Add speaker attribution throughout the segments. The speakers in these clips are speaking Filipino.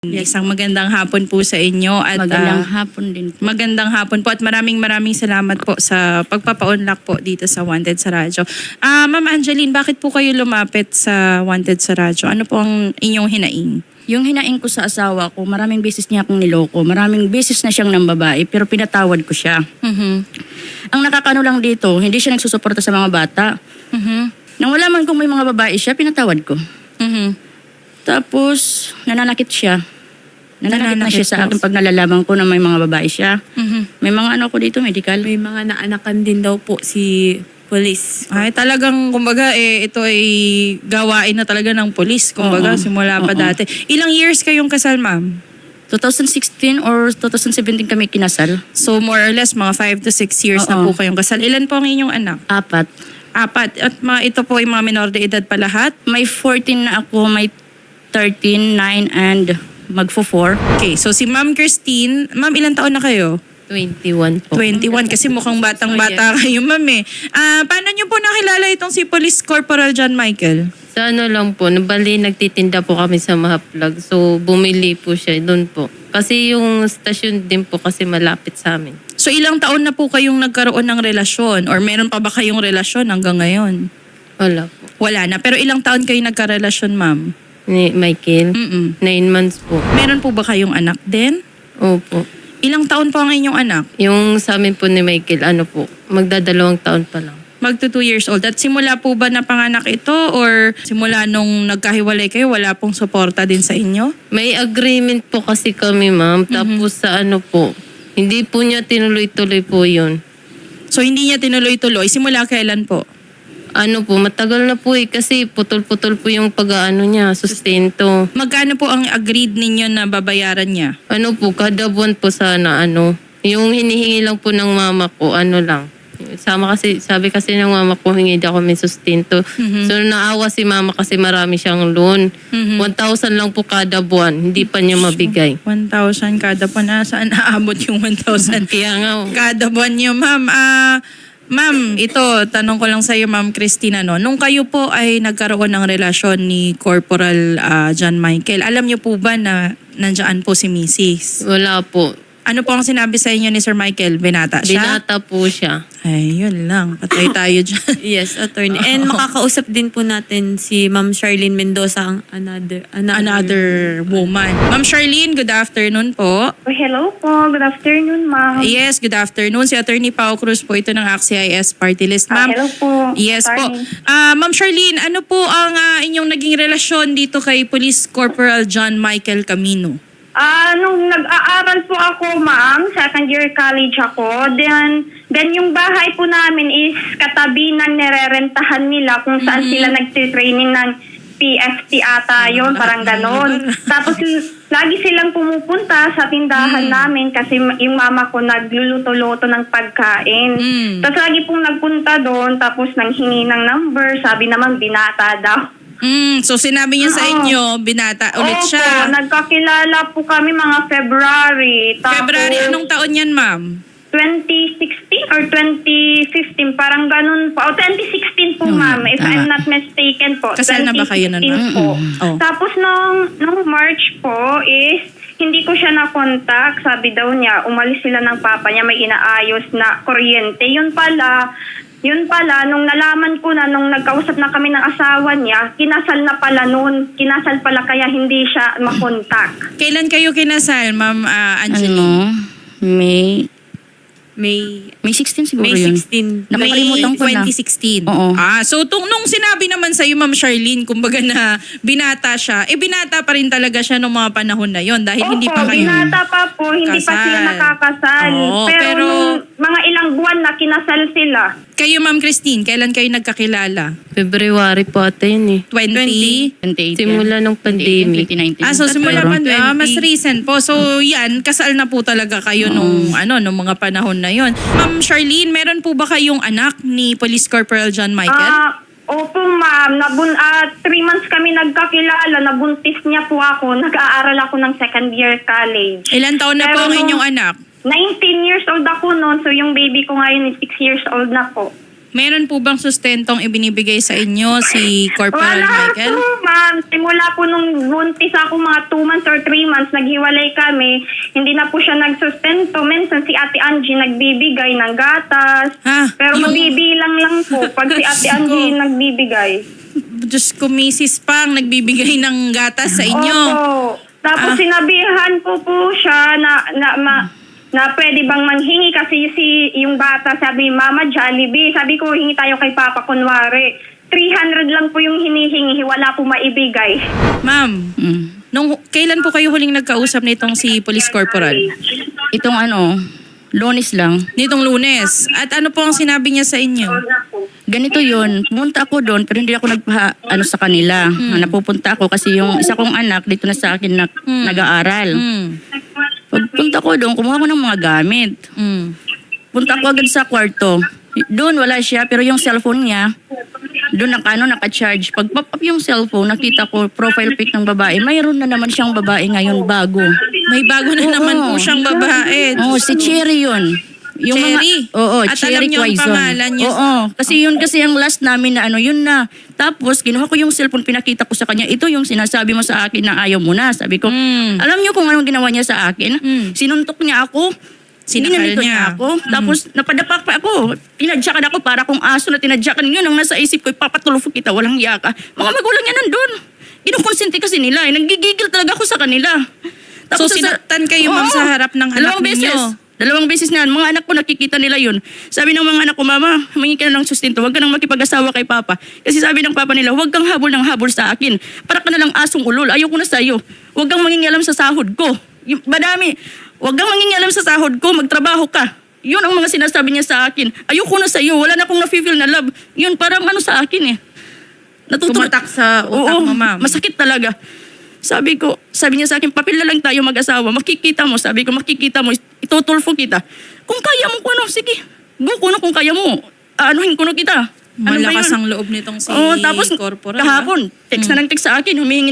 Speaker 1: Isang magandang hapon po sa inyo at
Speaker 2: Magandang hapon din po.
Speaker 1: magandang hapon po at maraming salamat po sa pagpapaunlak po dito sa Wanted sa Radyo. Ma'am Angeline, bakit po kayo lumapit sa Wanted sa Radyo? Ano po ang inyong hinaing?
Speaker 2: Yung hinaing ko sa asawa ko, maraming beses niya akong niloko. Maraming beses na siyang ng babae, pero pinatawad ko siya. Ang nakakano lang dito, hindi siya nagsusuporta sa mga bata. Nang wala man kung may mga babae siya, pinatawad ko. Tapos, nananakit siya. Nananakit na siya sa akin pag nalalaman ko na may mga babae siya. May mga ano ko dito, medical.
Speaker 3: May mga naanakan din daw po si police.
Speaker 1: Ay, talagang, kumbaga, ito ay gawain na talaga ng polis. Kumbaga, simula pa dati. Ilang years kayong kasal, ma'am?
Speaker 2: 2016 or 2017 kami kinasal.
Speaker 1: So, more or less, mga 5 to 6 years na po kayong kasal. Ilan po ang inyong anak?
Speaker 2: 4.
Speaker 1: At ito po ay mga minor de edad pa lahat?
Speaker 2: May 14 na ako, may 13, 9, and magfo-4.
Speaker 1: Okay, so si Ma'am Christine, ma'am, ilang taon na kayo?
Speaker 3: 21 po.
Speaker 1: 21, kasi mukhang batang-bata kayo, ma'am eh. Paano niyo po nakilala itong si Police Corporal John Michael?
Speaker 3: Sa ano lang po, bali nagtitinda po kami sa Mahaplag. So bumili po siya doon po. Kasi yung stasyon din po kasi malapit sa amin.
Speaker 1: So ilang taon na po kayong nagkaroon ng relasyon? Or meron pa ba kayong relasyon hanggang ngayon?
Speaker 3: Wala po.
Speaker 1: Wala na. Pero ilang taon kayo nagkarelasyon, ma'am?
Speaker 3: Ni Michael, 9 months po.
Speaker 1: Meron po ba kayong anak din?
Speaker 3: Opo.
Speaker 1: Ilang taon po ang inyong anak?
Speaker 3: Yung sa amin po ni Michael, ano po, magdadalawang taon pa lang.
Speaker 1: Magto 2 years old. At simula po ba na panganak ito or simula nung nagkahiwalay kayo, wala pong suporta din sa inyo?
Speaker 3: May agreement po kasi kami, ma'am. Tapos sa ano po, hindi po niya tinuloy-tuloy po yun.
Speaker 1: So hindi niya tinuloy-tuloy. Simula kailan po?
Speaker 3: Ano po, matagal na po kasi putol-putol po yung pag-ano niya, sustento.
Speaker 1: Magkano po ang agreed ninyo na babayaran niya?
Speaker 3: Ano po, kada buwan po sana yung hinihingi lang po ng mama ko, ano lang. Sabi kasi ng mama ko, hingi daw kami sustento. So naawa si mama kasi marami siyang loan. 1,000 lang po kada buwan, hindi pa niya mabigay.
Speaker 1: 1,000 kada buwan. Saan naabot yung 1,000?
Speaker 3: Kaya nga,
Speaker 1: Kada buwan niyo, ma'am. Ma'am, ito, tanong ko lang sa iyo, Ma'am Christina, no? Nung kayo po ay nagkaroon ng relasyon ni Corporal John Michael, alam niyo po ba na nandiyan po si Mrs.?
Speaker 3: wala po.
Speaker 1: Ano po ang sinabi sa inyo ni Sir Michael? Binata siya?
Speaker 3: Binata po siya.
Speaker 1: Ay, yun lang. Patay tayo dyan.
Speaker 4: Yes, attorney. And makakausap din po natin si Ma'am Charlene Mendoza, ang
Speaker 1: Another woman. Ma'am Charlene, good afternoon po.
Speaker 5: Hello po. Good afternoon, ma'am.
Speaker 1: Yes, good afternoon. Si Attorney Pao Cruz po ito ng AXIS Party List. Ma'am,
Speaker 5: Hello po.
Speaker 1: yes po.
Speaker 5: Attorney.
Speaker 1: Ma'am Charlene, ano po ang inyong naging relasyon dito kay Police Corporal John Michael Camino?
Speaker 5: Nung nag-aaral po ako, ma'am, second year college ako, then yung bahay po namin is katabi ng nirerentahan nila kung saan sila nagtitraining ng PFT ata yun, parang ganon. Tapos lagi silang pumupunta sa tindahan namin kasi yung mama ko nagluluto-luto ng pagkain. Tapos lagi pong nagpunta doon, tapos nanghingi ng number, sabi naman binata daw.
Speaker 1: So sinabi niya sa inyo, binata ulit siya.
Speaker 5: Opo, nagkakilala po kami mga February. Tapos,
Speaker 1: February, anong taon yan, ma'am?
Speaker 5: 2016 or 2015, parang ganun po. O, 2016 po, ma'am, if I'm not mistaken po.
Speaker 1: Kasal na ba kayo nun, ma'am?
Speaker 5: 2016 po.
Speaker 1: Oh.
Speaker 5: Tapos, nung March po is, hindi ko siya na-contact. Sabi daw niya, umalis sila ng papa niya, may inaayos na kuryente. Yun pala, nung nalaman ko na, nung nagkausap na kami ng asawa niya, kinasal na pala noon. Kinasal pala kaya hindi siya makontak.
Speaker 1: Kailan kayo kinasal, Ma'am Angeline?
Speaker 2: May 16 siguro
Speaker 4: May
Speaker 2: yun.
Speaker 4: 16.
Speaker 2: Nakakalimutan ko na.
Speaker 1: 2016.
Speaker 2: Oo.
Speaker 1: So nung sinabi naman sa iyo, Ma'am Charlene, kumbaga na binata siya, binata pa rin talaga siya nung mga panahon na yon dahil hindi pa kayo
Speaker 5: binata pa po, hindi pa sila
Speaker 1: kasal.
Speaker 5: nakakasal.
Speaker 1: Oo,
Speaker 5: pero
Speaker 1: pero
Speaker 5: nung mga ilang buwan na kinasal sila.
Speaker 1: Kayo, Ma'am Christine, kailan kayo nagkakilala?
Speaker 3: February po ata yun
Speaker 1: 20?
Speaker 2: 2018.
Speaker 3: Simula ng pandemic.
Speaker 2: 2019.
Speaker 1: So simula
Speaker 3: Pero
Speaker 1: pa, mas recent po. So yan, kasal na po talaga kayo nung mga panahon na yon. Ma'am Charlene, meron po ba kayong anak ni Police Corporal John Michael?
Speaker 5: Opo, ma'am. 3 months kami nagkakilala. Nabuntis niya po ako. Nag-aaral ako ng second year college.
Speaker 1: Ilan taon na po ang
Speaker 5: Pero
Speaker 1: inyong anak?
Speaker 5: 19 years old ako noon. So yung baby ko ngayon is 6 years old na po.
Speaker 1: Meron po bang sustentong ibinibigay sa inyo si Corporal
Speaker 5: Wala
Speaker 1: Michael?
Speaker 5: po, ma'am. Simula po nung buntis ako, mga 2 months or 3 months, naghiwalay kami. Hindi na po siya nagsustento. Minsan si Ate Angie nagbibigay ng gatas. Pero mabibilang lang po pag si Ate Angie nagbibigay.
Speaker 1: Diyos ko, Mrs. Pang, nagbibigay ng gatas sa inyo.
Speaker 5: Opo. Tapos sinabihan ko po siya na pwede bang manghingi kasi yung bata sabi, Mama, Jollibee. Sabi ko, hingi tayo kay Papa kunwari. 300 lang po yung hinihingi, wala po maibigay.
Speaker 1: Ma'am, kailan po kayo huling nagkausap nitong si Police Corporal?
Speaker 2: Itong Lunes lang.
Speaker 1: Nitong Lunes. At ano po ang sinabi niya sa inyo?
Speaker 2: Ganito yun, pumunta ako doon pero hindi ako sa kanila. Napupunta ako kasi yung isa kong anak dito na sa akin nag-aaral. Pagpunta ko doon, kumuha ko ng mga gamit. Punta ko agad sa kwarto. Doon wala siya pero yung cellphone niya, doon naka-charge. Pag pop up yung cellphone, nakita ko profile pic ng babae. Mayroon na naman siyang babae ngayon bago.
Speaker 1: May bago na naman po siyang babae.
Speaker 2: Oo, si Cherry yun. Yung
Speaker 1: Cherry?
Speaker 2: At
Speaker 1: Cherry alam niyo ang
Speaker 2: Quaison.
Speaker 1: pangalan niya?
Speaker 2: Oo, kasi ang last namin na yun na. Tapos, kinuha ko yung cellphone, pinakita ko sa kanya, ito yung sinasabi mo sa akin na ayaw mo na. Sabi ko, alam niyo kung anong ginawa niya sa akin? Sinuntok niya ako.
Speaker 1: Sinakal
Speaker 2: Ginanito
Speaker 1: niya.
Speaker 2: ako. Tapos, napadapak pa ako. Tinadyakan ako para kung aso na tinadyakan. Yun ang nasa isip ko, ipapatulfo kita, walang yaka. Mga magulang niya nandun. Kinukonsente kasi nila. Nagigigil talaga ako sa kanila.
Speaker 1: So, sinaktan kayo, ma'am, sa harap ng anak ninyo?
Speaker 2: Dalawang beses na, mga anak ko nakikita nila yun. Sabi ng mga anak ko, Mama, humingi ka na ng sustento, huwag ka nang makipag-asawa kay Papa. Kasi sabi ng Papa nila, huwag kang habol ng habol sa akin. Para ka na lang asong ulol, ayoko na sa'yo. Huwag kang mangingialam sa sahod ko. Madami, huwag kang mangingialam sa sahod ko, magtrabaho ka. Yun ang mga sinasabi niya sa akin. Ayoko na sa'yo, wala na akong na-feel na love. Yun, parang sa akin eh.
Speaker 1: Tumatak sa utak mo, ma'am.
Speaker 2: Masakit talaga. Sabi niya sa akin, papel na lang tayo mag-asawa. Makikita mo, sabi ko, makikita mo, itutulfo kita. Kung kaya mo, sige. Go ko na kung kaya mo. Anuhin ko na kita.
Speaker 1: Malakas ang loob nitong si
Speaker 2: tapos
Speaker 1: Corporal.
Speaker 2: kahapon, text na ng text sa akin, humihingi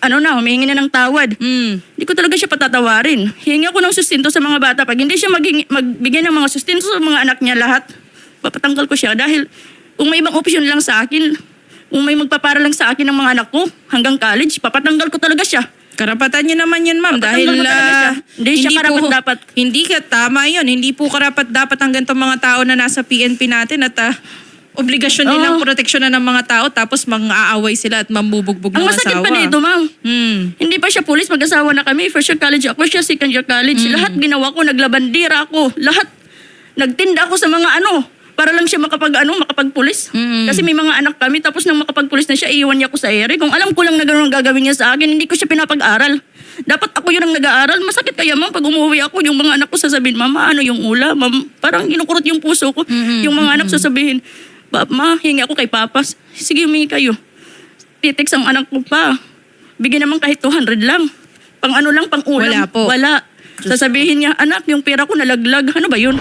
Speaker 2: na ng tawad. Hindi ko talaga siya patatawarin. Hihingi ako ng sustento sa mga bata. Pag hindi siya magbigay ng mga sustento sa mga anak niya lahat, papatanggal ko siya. Dahil kung may ibang option lang sa akin, kung may magpapara lang sa akin ng mga anak ko hanggang college, papatanggal ko talaga siya.
Speaker 1: Karapatan niyo naman yan, ma'am. Dahil
Speaker 2: Papatanggal ko talaga siya. Hindi siya karapat-dapat.
Speaker 1: Hindi ka, tama yun. Hindi po karapat-dapat ang ganitong mga tao na nasa PNP natin at obligasyon nilang proteksyonan ng mga tao tapos mang-aaway sila at mambubugbog ng
Speaker 2: Ang masakit
Speaker 1: asawa.
Speaker 2: pa dito, ma'am. Hindi pa siya pulis, mag-asawa na kami. First year college ako, siya second year college. Lahat ginawa ko, naglabandira ako. Lahat. Nagtinda ako sa mga para lang siya makapagpulis. Kasi may mga anak kami, tapos nang makapagpulis na siya, iiwan niya ako sa ere. Kung alam ko lang na gano'n ang gagawin niya sa akin, hindi ko siya pinapag-aral. Dapat ako yun ang nag-aaral. Masakit kaya, ma'am, pag umuwi ako, yung mga anak ko sasabihin, Mama, ano yung ulam? Ma'am, parang kinukurot yung puso ko. Yung mga anak sasabihin, Ma, hingi ako kay Papa. Sige, humingi kayo. Titext ang anak ko pa. Bigyan naman kahit 200 lang. Pang lang, pang ulam.
Speaker 1: Wala po.
Speaker 2: Wala. Sasabihin niya, anak, yung pera ko nalaglag. Ano ba yun?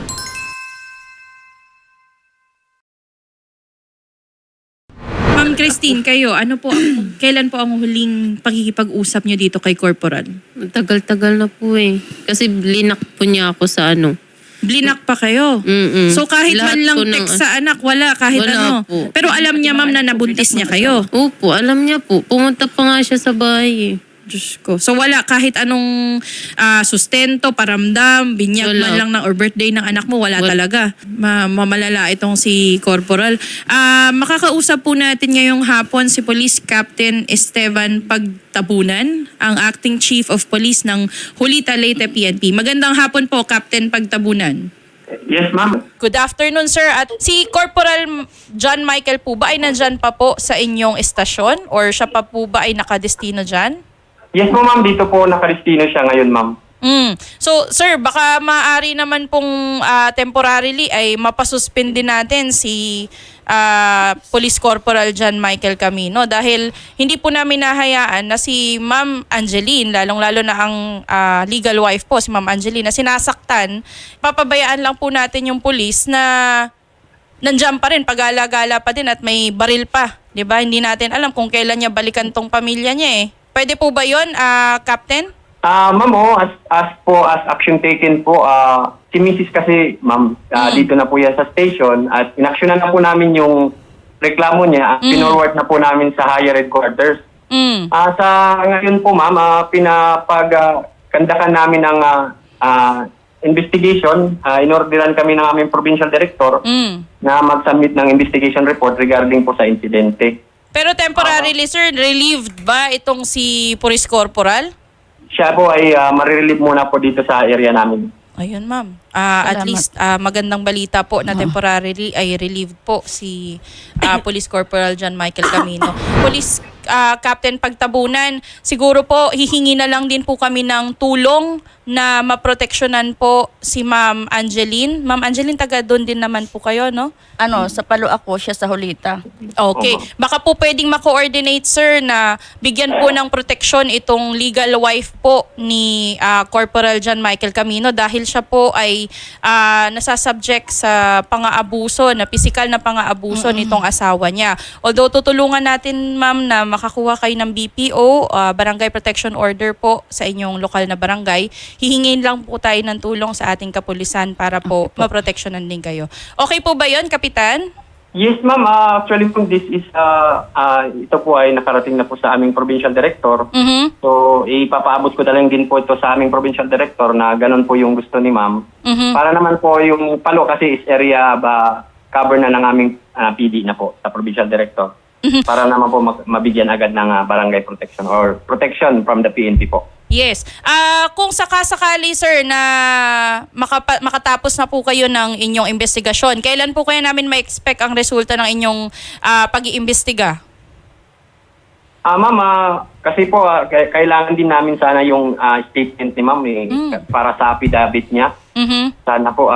Speaker 1: Ma'am Christine, kayo, kailan po ang huling pakikipag-usap niyo dito kay Corporal?
Speaker 3: Tagal-tagal na po eh. Kasi blinak po niya ako sa
Speaker 1: Blinak pa kayo? So kahit
Speaker 3: Lahat
Speaker 1: man lang
Speaker 3: po ng-
Speaker 1: text sa anak, wala kahit
Speaker 3: Wala po.
Speaker 1: Pero alam niya, ma'am, na nabuntis niya kayo.
Speaker 3: Opo, alam niya po. Pumunta pa nga siya sa bahay eh.
Speaker 1: Diyos ko. So wala kahit anong sustento, paramdam, binyag
Speaker 3: Wala.
Speaker 1: man lang or birthday ng anak mo, wala talaga. Mamalala itong si Corporal. Makakausap po natin ngayong hapon si Police Captain Esteban Pagtabunan, ang Acting Chief of Police ng Hulita Leyte PNP. Magandang hapon po, Captain Pagtabunan.
Speaker 6: Yes, ma'am.
Speaker 1: Good afternoon, sir. At si Corporal John Michael po ba ay nandyan pa po sa inyong estasyon or siya pa po ba ay nakadestino dyan?
Speaker 6: Yes po, ma'am. Dito po nakaristino siya ngayon, ma'am.
Speaker 1: So, sir, baka maaari naman pong temporarily ay mapasuspend din natin si Police Corporal John Michael Camino dahil hindi po namin nahayaan na si Ma'am Angeline, lalong-lalo na ang legal wife po, si Ma'am Angeline, na sinasaktan. Papabayaan lang po natin yung police na nandiyan pa rin, pag-gala-gala pa din at may baril pa. 'Di ba? Hindi natin alam kung kailan niya balikan tong pamilya niya eh. Pwede po ba yun, Captain?
Speaker 6: Ma'am, as action taken po, si Mrs. kasi, ma'am, dito na po yan sa station at inaksyonan na po namin yung reklamo niya. Pinorward na po namin sa higher headquarters. Sa ngayon po, ma'am, pinapagkandakan namin ang investigation. Inorderan kami ng aming provincial director na mag-submit ng investigation report regarding po sa insidente.
Speaker 1: Pero temporarily, sir, relieved ba itong si Police Corporal?
Speaker 6: Siya po ay marirelieve muna po dito sa area namin.
Speaker 1: Ayun, ma'am. At least magandang balita po na temporarily ay relieved po si Police Corporal John Michael Camino. Police Captain Pagtabunan, siguro po hihingi na lang din po kami ng tulong na maproteksyonan po si Ma'am Angeline. Ma'am Angeline, taga doon din naman po kayo, no?
Speaker 2: Sa Palo ako, siya sa Hulita.
Speaker 1: Okay. Baka po pwedeng ma-coordinate, sir, na bigyan po ng proteksyon itong legal wife po ni Corporal John Michael Camino dahil siya po ay nasasubject sa pang-aabuso, na pisikal na pang-aabuso nitong asawa niya. Although tutulungan natin, ma'am, na makakuha kayo ng BPO, Barangay Protection Order po sa inyong lokal na barangay, hihingin lang po tayo ng tulong sa ating kapulisan para po maproteksyonan din kayo. Okay po ba yun, Kapitan?
Speaker 6: Yes, ma'am. Actually po, this is, ito po ay nakarating na po sa aming provincial director. So, ipapaabot ko na lang din po ito sa aming provincial director na ganun po yung gusto ni ma'am. Para naman po yung Palo kasi is area cover na ng aming PD na po sa provincial director. Para naman po mabigyan agad ng barangay protection or protection from the PNP po.
Speaker 1: Yes. Kung sakasakali, sir, na makatapos na po kayo ng inyong investigasyon, kailan po kaya namin ma-expect ang resulta ng inyong pag-iimbestiga?
Speaker 6: Ma'am, kasi po kailangan din namin sana yung statement ni ma'am para sa affidavit niya. Sana po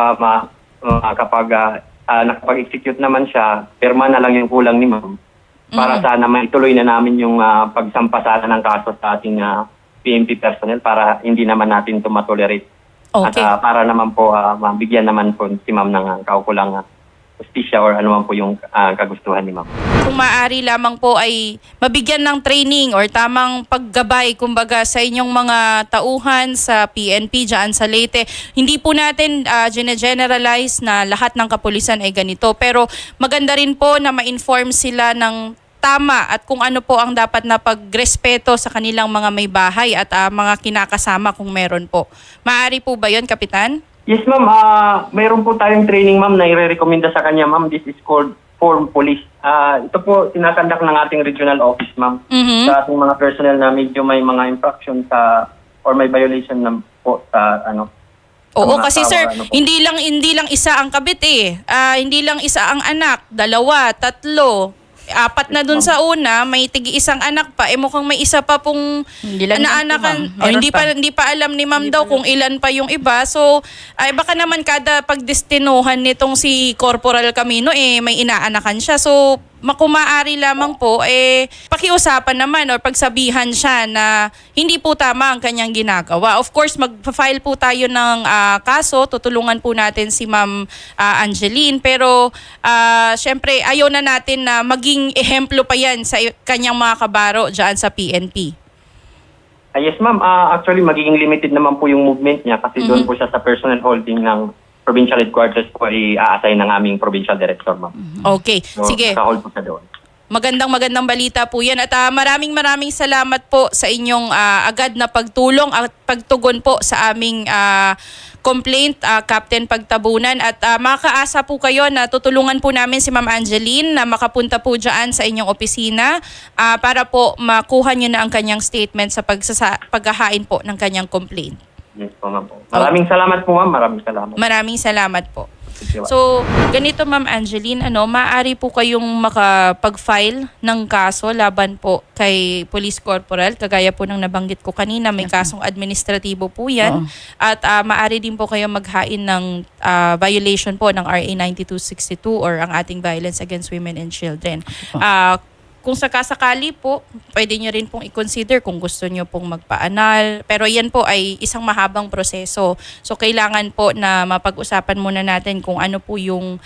Speaker 6: kapag nakapag-execute naman siya, pirma na lang yung kulang ni ma'am. Para sana maituloy na namin yung pagsampa sana ng kaso sa ating PNP personnel para hindi naman natin ito matolerate.
Speaker 1: Okay.
Speaker 6: At para naman po mabigyan naman po si ma'am ng kaukulang justisya or ano man po yung kagustuhan ni ma'am.
Speaker 1: Kung maaari lamang po ay mabigyan ng training or tamang paggabay kumbaga sa inyong mga tauhan sa PNP dyan sa Leyte. Hindi po natin generalize na lahat ng kapulisan ay ganito, pero maganda rin po na ma-inform sila ng tama at kung ano po ang dapat na pagrespeto sa kanilang mga may bahay at mga kinakasama kung meron po. Maaari po ba yun, Kapitan?
Speaker 6: Yes, ma'am. Mayroon po tayong training, ma'am, na i-recommenda sa kanya, ma'am. This is called Form Police. Ito po, sinakandak ng ating regional office, ma'am. Sa ating mga personnel na medyo may mga infraction or may violation na po sa
Speaker 1: Oo, kasi sir, hindi lang isa ang kabit eh. Hindi lang isa ang anak, 2, 3. 4 na dun sa una, may isang anak pa. Mukhang may isa pa pong
Speaker 2: Hindi lang
Speaker 1: naanakan.
Speaker 2: yan po, ma'am.
Speaker 1: Hindi pa alam ni ma'am daw kung ilan pa yung iba. So, baka naman kada pagdestinuhan nitong si Corporal Camino, may inaanakan siya. So, makumaari lamang po, pakiusapan naman or pagsabihan siya na hindi po tama ang kanyang ginagawa. Of course, mag-file po tayo ng kaso, tutulungan po natin si Ma'am Angeline, pero syempre ayaw na natin na maging ehemplo pa yan sa kanyang mga kabaro dyan sa PNP.
Speaker 6: Yes, ma'am. Actually, magiging limited naman po yung movement niya kasi doon po siya sa personal holding ng provincial headquarters po i-assign ng aming provincial director, ma'am.
Speaker 1: Okay,
Speaker 6: So,
Speaker 1: sige.
Speaker 6: naka-hold po siya doon.
Speaker 1: Magandang balita po yan. At maraming salamat po sa inyong agad na pagtulong at pagtugon po sa aming complaint, Captain Pagtabunan. At makaasa po kayo na tutulungan po namin si Ma'am Angeline na makapunta po dyan sa inyong opisina para po makuha nyo na ang kanyang statement sa paghahain po ng kanyang complaint.
Speaker 6: Yes po, ma'am. Maraming salamat po, ma'am. Maraming salamat.
Speaker 1: Maraming salamat po. So, ganito Ma'am Angeline, maaari po kayong makapag-file ng kaso laban po kay Police Corporal, kagaya po ng nabanggit ko kanina, may kasong administratibo po yan. At maaari din po kayo maghain ng violation po ng RA 9262 or ang ating Violence Against Women and Children. Kung sakasakali po, pwede nyo rin pong i-consider kung gusto nyo pong magpa-anal. Pero yan po ay isang mahabang proseso. So kailangan po na mapag-usapan muna natin kung ano po yung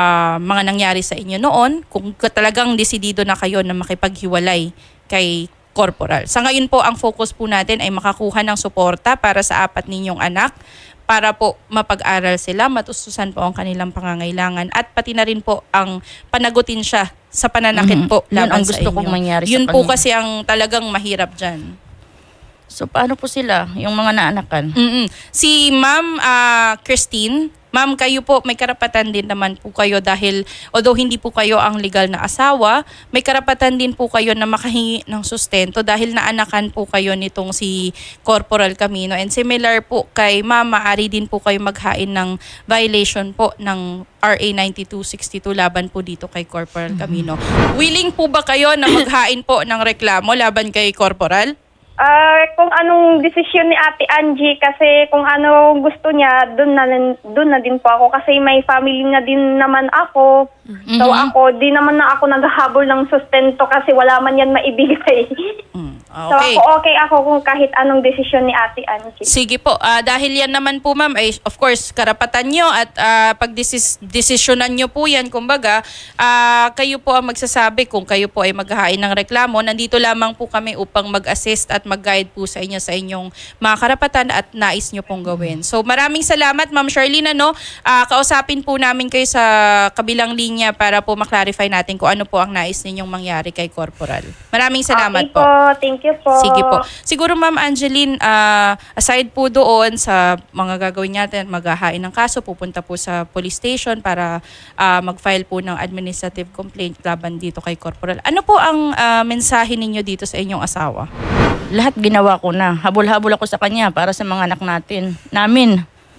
Speaker 1: mga nangyari sa inyo noon. Kung talagang desidido na kayo na makipaghiwalay kay corporal. Sa ngayon po, ang focus po natin ay makakuha ng suporta para sa 4 ninyong anak para po mapag-aral sila, matustusan po ang kanilang pangangailangan at pati na rin po ang panagutin siya sa pananakit po
Speaker 2: Yun
Speaker 1: laban
Speaker 2: ang
Speaker 1: sa
Speaker 2: gusto
Speaker 1: inyo.
Speaker 2: kong mangyari sa
Speaker 1: Yun po
Speaker 2: kanya.
Speaker 1: kasi ang talagang mahirap dyan.
Speaker 2: So paano po sila, yung mga naanakan?
Speaker 1: Si Ma'am Christine, Ma'am, kayo po, may karapatan din naman po kayo dahil although hindi po kayo ang legal na asawa, may karapatan din po kayo na makahingi ng sustento dahil naanakan po kayo nitong si Corporal Camino. And similar po kay Ma'am, maaari din po kayo maghain ng violation po ng RA 9262 laban po dito kay Corporal Camino. Willing po ba kayo na maghain po ng reklamo laban kay Corporal?
Speaker 5: Kung anong desisyon ni Ate Angie, kasi kung ano gusto niya, dun na din po ako kasi may family na din naman ako. So ako, di naman na ako naghahabol ng sustento kasi wala man yan maibigay. So
Speaker 1: Okay.
Speaker 5: okay ako kung kahit anong desisyon ni Ate Angie.
Speaker 1: Sige po, dahil yan naman po ma'am, ay of course karapatan nyo at pag-desisyonan nyo po yan, kumbaga, kayo po ang magsasabi kung kayo po ay maghahain ng reklamo. Nandito lamang po kami upang mag-assist at mag-guide po sa inyo sa inyong mga karapatan at nais nyo pong gawin. So maraming salamat Ma'am Charlene. Kausapin po namin kayo sa kabilang linya para po maklarify natin kung ano po ang nais ninyong mangyari kay Corporal. Maraming salamat
Speaker 5: Okay po, thank you po.
Speaker 1: Sige po. Siguro Ma'am Angeline, aside po doon sa mga gagawin natin, maghahain ng kaso, pupunta po sa police station para mag-file po ng administrative complaint laban dito kay Corporal. Ano po ang mensahe ninyo dito sa inyong asawa?
Speaker 2: Lahat ginawa ko na. Habol-habol ako sa kanya para sa mga anak namin.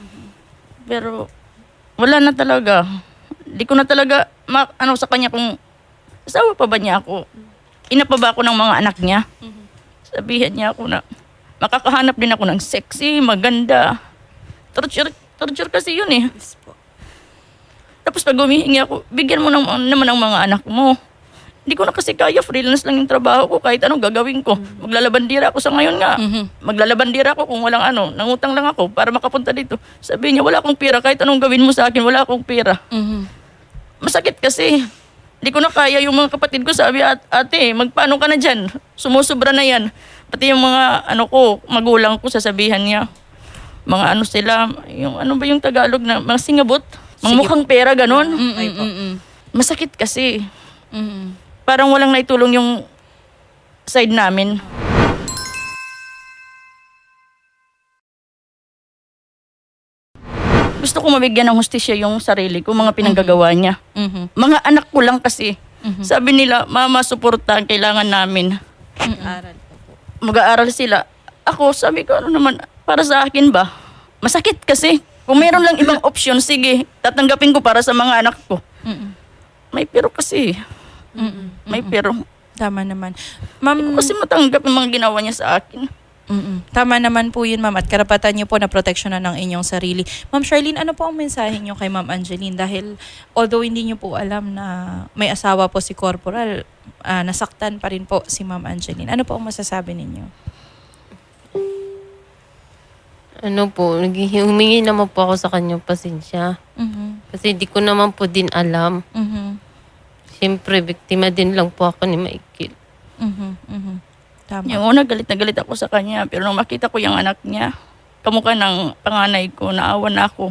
Speaker 2: Pero wala na talaga. Di ko na talaga sa kanya kung asawa pa ba niya ako. Ina pa ba ako ng mga anak niya? Sabihan niya ako na makakahanap din ako ng sexy, maganda. Torture kasi yun eh. Tapos pag humihingi ako, bigyan mo naman ang mga anak mo. Hindi ko na kasi kaya, freelance lang yung trabaho ko, kahit anong gagawin ko. Maglalabandira ako sa ngayon nga. Maglalabandira ako kung walang nangutang lang ako para makapunta dito. Sabi niya, wala akong pera, kahit anong gawin mo sa akin, wala akong pera. Masakit kasi. Hindi ko na kaya, yung mga kapatid ko sabi, ate, magpaano ka na dyan? Sumusobra na yan. Pati yung mga magulang ko, sasabihan niya. Mga sila, yung ba yung Tagalog na, mga singabot? Mga mukhang pera, ganon. Masakit kasi. Parang walang naitulong yung side namin. Gusto ko mabigyan ng hustisya yung sarili ko, mga pinanggagawa niya. Mga anak ko lang kasi. Sabi nila, mama, suporta ang kailangan namin. Mag-aaral sila. Ako, sabi ko, para sa akin ba? Masakit kasi. Kung meron lang ibang option, sige, tatanggapin ko para sa mga anak ko. May pero kasi. May pero.
Speaker 1: Tama naman. Ma'am,
Speaker 2: Hindi ko kasi matanggap yung mga ginawa niya sa akin.
Speaker 1: Tama naman po yun, ma'am. At karapatan niyo po na proteksyonan ng inyong sarili. Ma'am Charlene, ano po ang mensahe niyo kay Ma'am Angeline? Dahil although hindi niyo po alam na may asawa po si Corporal, nasaktan pa rin po si Ma'am Angeline. Ano po ang masasabi ninyo?
Speaker 3: Humingi naman po ako sa kanyang pasensya. Kasi di ko naman po din alam. Siyempre, biktima din lang po ako ni Michael.
Speaker 1: Tama.
Speaker 2: Yung una, galit na galit ako sa kanya. Pero nung makita ko yung anak niya, kamukha ng panganay ko, naawa na ako.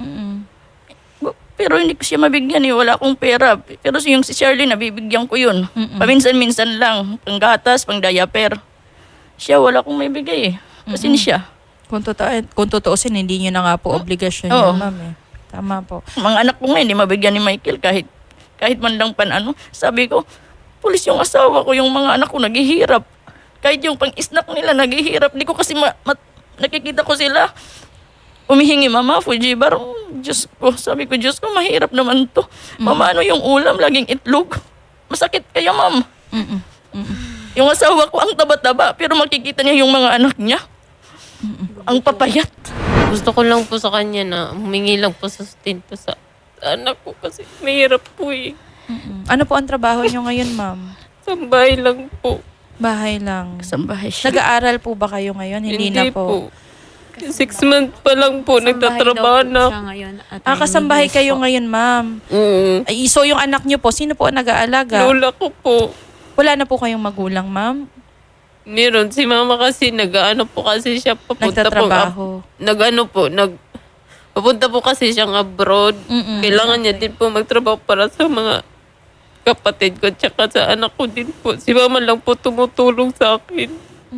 Speaker 2: Pero hindi ko siya mabigyan eh. Wala akong pera. Pero yung si Shirley, nabibigyan ko yun. Paminsan-minsan lang. Panggatas, pang-diaper. Siya, wala akong may bigay eh. Kasi siya.
Speaker 1: Kung tutuusin, hindi niyo na nga po obligasyon
Speaker 2: Oo.
Speaker 1: yun, ma'am eh. Tama po.
Speaker 2: Mga anak ko nga, hindi mabigyan ni Michael kahit man lang Sabi ko, pulis yung asawa ko, yung mga anak ko naghihirap. Kahit yung pang-snack nila naghihirap. Di ko kasi nakikita ko sila. Umihingi, mama, Fujibar. Diyos ko, sabi ko, Diyos ko, mahirap naman to. Mama, ano yung ulam? Laging itlog. Masakit kaya, ma'am. Yung asawa ko, ang taba-taba. Pero makikita niya yung mga anak niya. Ang papayat.
Speaker 3: Gusto ko lang po sa kanya na humingi lang po sa sustento sa anak ko kasi mahirap po eh.
Speaker 1: Ano po ang trabaho niyo ngayon, ma'am?
Speaker 3: Sa bahay lang po.
Speaker 1: Bahay lang.
Speaker 2: Kasambahay siya.
Speaker 1: Nag-aaral po ba kayo ngayon? Hindi na po.
Speaker 3: 6 months pa lang po, nagtatrabaho na.
Speaker 1: Kasambahay kayo ngayon, ma'am. Ay, so yung anak niyo po, sino po ang nag-aalaga?
Speaker 3: Lola ko po.
Speaker 1: Wala na po kayong magulang, ma'am?
Speaker 3: Meron. Si mama kasi nag-ano po kasi siya papunta
Speaker 1: Nagtatrabaho.
Speaker 3: papunta po kasi siyang abroad. Kailangan niya din po magtrabaho para sa mga kapatid ko tsaka sa anak ko din po. Si mama lang po tumutulong sa akin.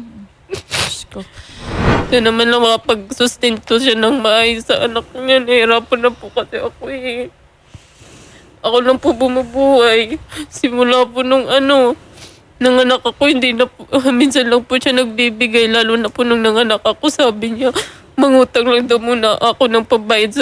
Speaker 3: Ito naman lang makapag-sustento siya ng maayos sa anak niya. Nahirapan na po kasi ako eh. Ako lang po bumubuhay. Simula po nung nanganak ako, hindi na po, minsan lang po siya nagbibigay. Lalo na po nung nanganak ako, sabi niya, mangutang lang daw muna ako ng pabayad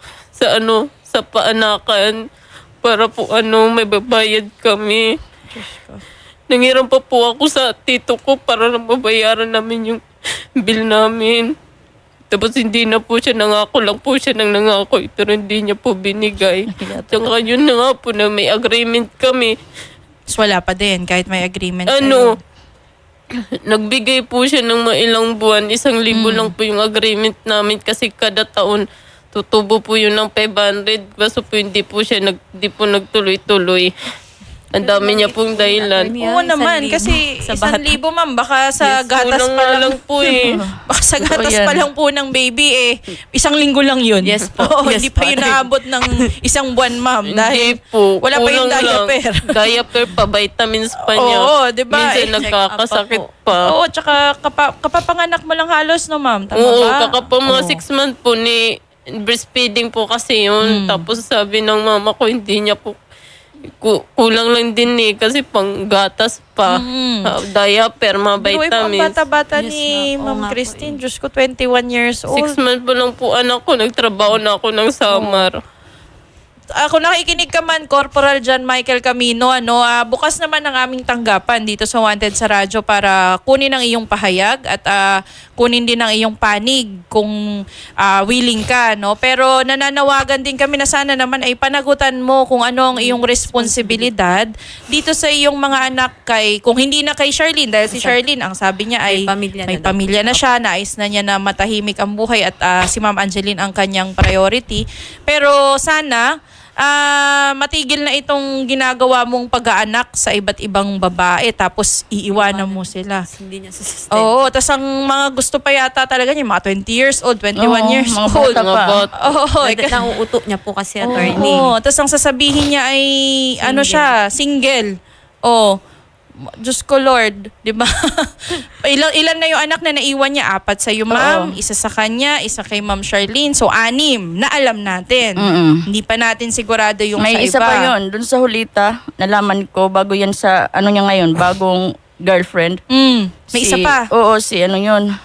Speaker 3: sa paanakan. Para po may babayad kami. Nangiram pa po ako sa tito ko para na mabayaran namin yung bill namin. Tapos hindi na po siya nangako lang po siya nang nangako pero hindi niya po binigay. Tsaka yun na nga po na may agreement kami.
Speaker 1: So, wala pa din kahit may agreement
Speaker 3: Nagbigay po siya ng mailang buwan. 1,000 lang po yung agreement namin kasi kada taon tutubo po yun ng 500. Kaso po hindi po nagtuloy-tuloy. Ang dami niya pong dahilan.
Speaker 1: Oo naman, kasi 1,000 ma'am, baka sa gatas
Speaker 3: kulang
Speaker 1: pa
Speaker 3: nga
Speaker 1: lang
Speaker 3: lang po eh.
Speaker 1: Baka sa gatas
Speaker 2: yan.
Speaker 1: pa lang po ng baby 1 linggo lang yun.
Speaker 4: Yes po.
Speaker 1: Oo,
Speaker 4: Yes
Speaker 1: hindi pa
Speaker 4: po.
Speaker 1: yun naabot ng 1 buwan ma'am. Dahil
Speaker 3: Hindi po.
Speaker 1: wala pa yung
Speaker 3: Kulang lang.
Speaker 1: diaper.
Speaker 3: Diaper pa, vitamins pa niya.
Speaker 1: Oo, di ba?
Speaker 3: Minsan
Speaker 1: Eh,
Speaker 3: nagkakasakit pa.
Speaker 1: Oo, tsaka kapapanganak mo lang halos no ma'am. Tama
Speaker 3: Oo,
Speaker 1: ba?
Speaker 3: mga 6 months po ni breastfeeding po kasi yun. Tapos sabi ng mama ko, hindi niya po kulang lang din kasi pang gatas pa. Diaper, mga
Speaker 1: Pero ang
Speaker 3: vitamins.
Speaker 1: bata-bata
Speaker 4: Yes,
Speaker 1: ni
Speaker 4: nga. Oo
Speaker 1: Ma'am
Speaker 4: nga po
Speaker 1: Christine, Diyos ko, 21 years old.
Speaker 3: 6 months pa lang po anak ko, nagtrabaho na ako ng summer.
Speaker 1: Kung nakikinig ka man, Corporal John Michael Camino, bukas naman ang aming tanggapan dito sa Wanted sa Radyo para kunin ang iyong pahayag at kunin din ang iyong panig kung willing ka. No? Pero nananawagan din kami na sana naman ay panagutan mo kung ano ang iyong responsibilidad dito sa iyong mga anak kung hindi na kay Charlene, dahil si Charlene, ang sabi niya ay
Speaker 4: May pamilya na daw.
Speaker 1: siya, nais na niya na matahimik ang buhay at si Ma'am Angeline ang kanyang priority. Pero sana matigil na itong ginagawa mong pag-aanak sa iba't ibang babae tapos iiwanan mo sila.
Speaker 4: Hindi niya sustain.
Speaker 1: Oo, tapos ang mga gusto pa yata talaga niya, mga 20 years old, 21 years
Speaker 2: mga
Speaker 1: old.
Speaker 2: bata pa.
Speaker 1: Oo,
Speaker 4: Nauuto niya po kasi attorney.
Speaker 1: oo, tapos ang sasabihin niya ay, single. Oh, Diyos ko Lord, di ba? ilan na yung anak na naiwan niya? 4 sa iyo, ma'am. 1 sa kanya, 1 kay Ma'am Charlene. So, 6 na alam natin. Hindi pa natin sigurado yung
Speaker 2: May
Speaker 1: sa
Speaker 2: isa
Speaker 1: iba.
Speaker 2: pa yun. Doon sa Hulita, nalaman ko, bago yan sa, niya ngayon, bagong girlfriend.
Speaker 1: May isa pa.
Speaker 2: Oo, yun.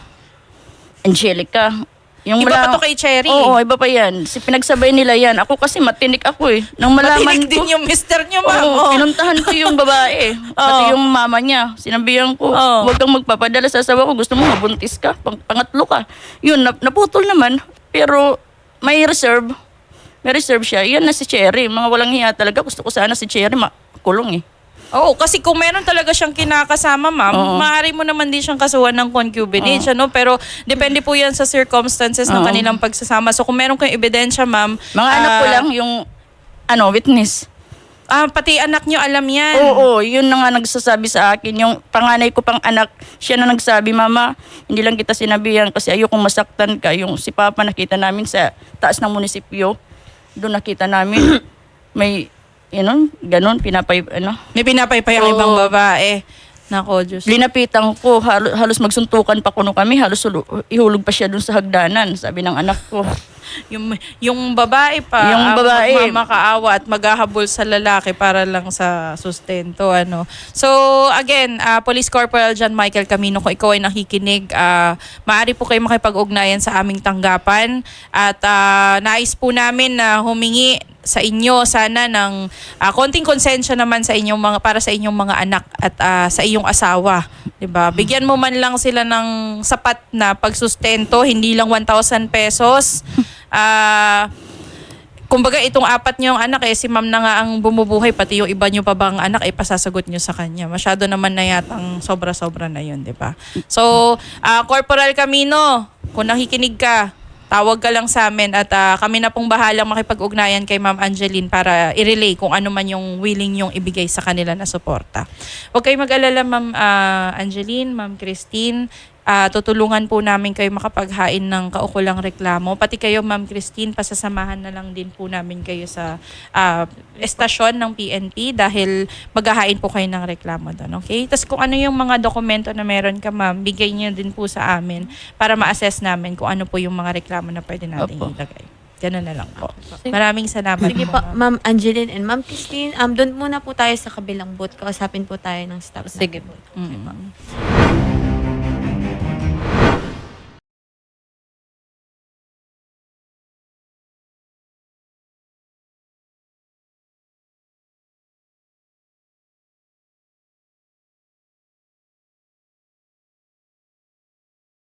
Speaker 2: Angelica. Yung
Speaker 1: Iba pa to kay Cherry.
Speaker 2: Oo, iba pa yan. Pinagsabay nila yan. Ako kasi matinik ako eh. Nang malaman
Speaker 1: Matinig
Speaker 2: ko,
Speaker 1: din yung mister niyo, ma'am.
Speaker 2: Oo,
Speaker 1: Oo.
Speaker 2: pinuntahan ko yung babae. Pati yung mama niya. Sinabihan ko, huwag kang magpapadala sa asawa ko. Gusto mo mabuntis ka. Pangatlo ka. Yun, naputol naman. Pero may reserve. May reserve siya. Yan na si Cherry. Mga walang hiya talaga. Gusto ko sana si Cherry makulong eh.
Speaker 1: Oo, kasi kung meron talaga siyang kinakasama, ma'am, maaari mo naman din siyang kasuhan ng concubinage, Pero depende po yan sa circumstances ng kanilang pagsasama. So kung meron kayong ebidensya, ma'am,
Speaker 2: Mga anak ko lang yung witness.
Speaker 1: Pati anak niyo alam yan.
Speaker 2: Oo, yun na nga nagsasabi sa akin. Yung panganay ko pang anak, siya na nagsabi, Mama, hindi lang kita sinabihan kasi ayokong masaktan ka. Yung si Papa nakita namin sa taas ng munisipyo. Doon nakita namin may, ganun,
Speaker 1: May pinapaypay ang
Speaker 2: Oo.
Speaker 1: ibang babae. Nako, Diyos.
Speaker 2: Linapitan ko, halos magsuntukan pa kuno kami, halos ihulog pa siya doon sa hagdanan, sabi ng anak ko.
Speaker 1: Yung babae pa,
Speaker 2: Yung babae.
Speaker 1: magmamakaawa at maghahabol sa lalaki para lang sa sustento. So, again, Police Corporal John Michael Camino, kung ikaw ay nakikinig, maaari po kayo makipag-ugnayan sa aming tanggapan at nais po namin na humingi sa inyo sana ng konting konsensya naman sa inyong para sa inyong mga anak at sa iyong asawa, 'di ba? Bigyan mo man lang sila ng sapat na pagsustento, hindi lang 1,000 pesos. Kumbaga itong 4 niyong anak si ma'am na nga ang bumubuhay, pati yung iba niyo pa bang anak pasasagot niyo sa kanya. Masyado naman na yatang sobra-sobra na 'yun, 'di ba? So, Corporal Camino, kung nakikinig ka, tawag ka lang sa amin at kami na pong bahalang makipag-ugnayan kay Ma'am Angeline para i-relay kung ano man yung willing yung ibigay sa kanila na suporta. Huwag kayo mag-alala, Ma'am Angeline, Ma'am Christine. Tutulungan po namin kayo makapaghain ng kaukulang reklamo. Pati kayo, Ma'am Christine, pasasamahan na lang din po namin kayo sa estasyon ng PNP dahil maghahain po kayo ng reklamo doon. Okay? Tapos kung ano yung mga dokumento na meron ka, Ma'am, bigay niyo din po sa amin para ma-assess namin kung ano po yung mga reklamo na pwede natin ilagay. Ganun na lang po. Maraming salamat
Speaker 4: Sige
Speaker 1: po,
Speaker 4: po, Ma'am Angeline and Ma'am Christine. Doon muna po tayo sa kabilang booth. Kausapin po tayo ng staff.
Speaker 3: Sige
Speaker 4: natin.
Speaker 3: po.
Speaker 1: Mm.